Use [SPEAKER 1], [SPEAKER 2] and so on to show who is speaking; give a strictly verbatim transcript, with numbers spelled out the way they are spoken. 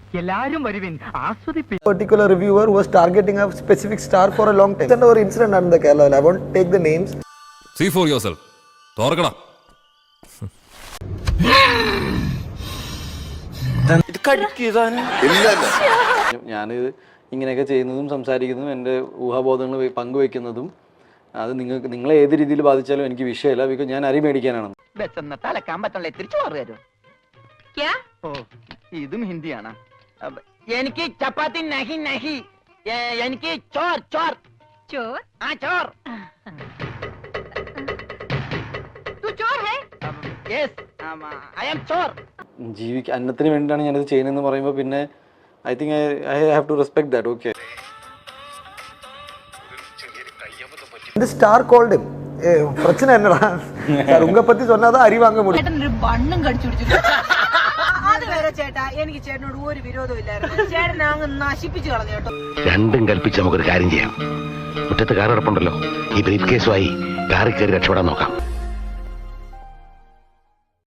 [SPEAKER 1] Particular reviewer was targeting a specific star for a long time. Or incident under the Kerala. I won't take the names.
[SPEAKER 2] See for yourself. Torkana.
[SPEAKER 3] ഞാനിത് ഇങ്ങനെയൊക്കെ ചെയ്യുന്നതും സംസാരിക്കുന്നതും എൻ്റെ ഊഹാബോധങ്ങൾ പങ്കുവെക്കുന്നതും അത് നിങ്ങൾക്ക് നിങ്ങളെ ഏത് രീതിയിൽ ബാധിച്ചാലും എനിക്ക് വിഷയമല്ല. ബിക്കോസ് ഞാൻ അരി മേടിക്കാനാണ്.
[SPEAKER 4] ഇതും ഹിന്ദിയാണ്. എനിക്ക് ചപ്പാത്തി നഹി നഹി, എനിക്ക് ചോർ ചോർ ചോർ ആ ചോർ.
[SPEAKER 3] ജീവിക്കാൻ അന്നത്തിന് വേണ്ടിയിട്ടാണ് ഞാനിത് ചെയ്യുന്നതെന്ന് പറയുമ്പോൾ പിന്നെ I think I I have to respect that. Okay.
[SPEAKER 1] The star called him. Eh, பிரச்சனை என்னடா? சார் உங்க பத்தி சொன்னாதான் அரி வாங்க முடியும்.
[SPEAKER 5] ചേട്ടനൊരു ബണ്ണും കടിച്ചു പിടിച്ചു. അത് വരെ ചേട്ടാ എനിക്ക് ചേട്ടനോട് ഒരു വിരോധവും ഇല്ലായിരുന്നു. ചേട്ടനെ അങ്ങ് നശിപ്പിച്ചു കളഞ്ഞു കേട്ടോ.
[SPEAKER 6] രണ്ടും കൽപ്പിച്ച് നമുക്കൊരു കാര്യം ചെയ്യാം. മുറ്റത്ത് കാർ കിടപ്പുണ്ടല്ലോ, ഈ ബ്രീഫ് കേസുമായി കാറിൽ കയറി രക്ഷപ്പെടാൻ നോക്കാം.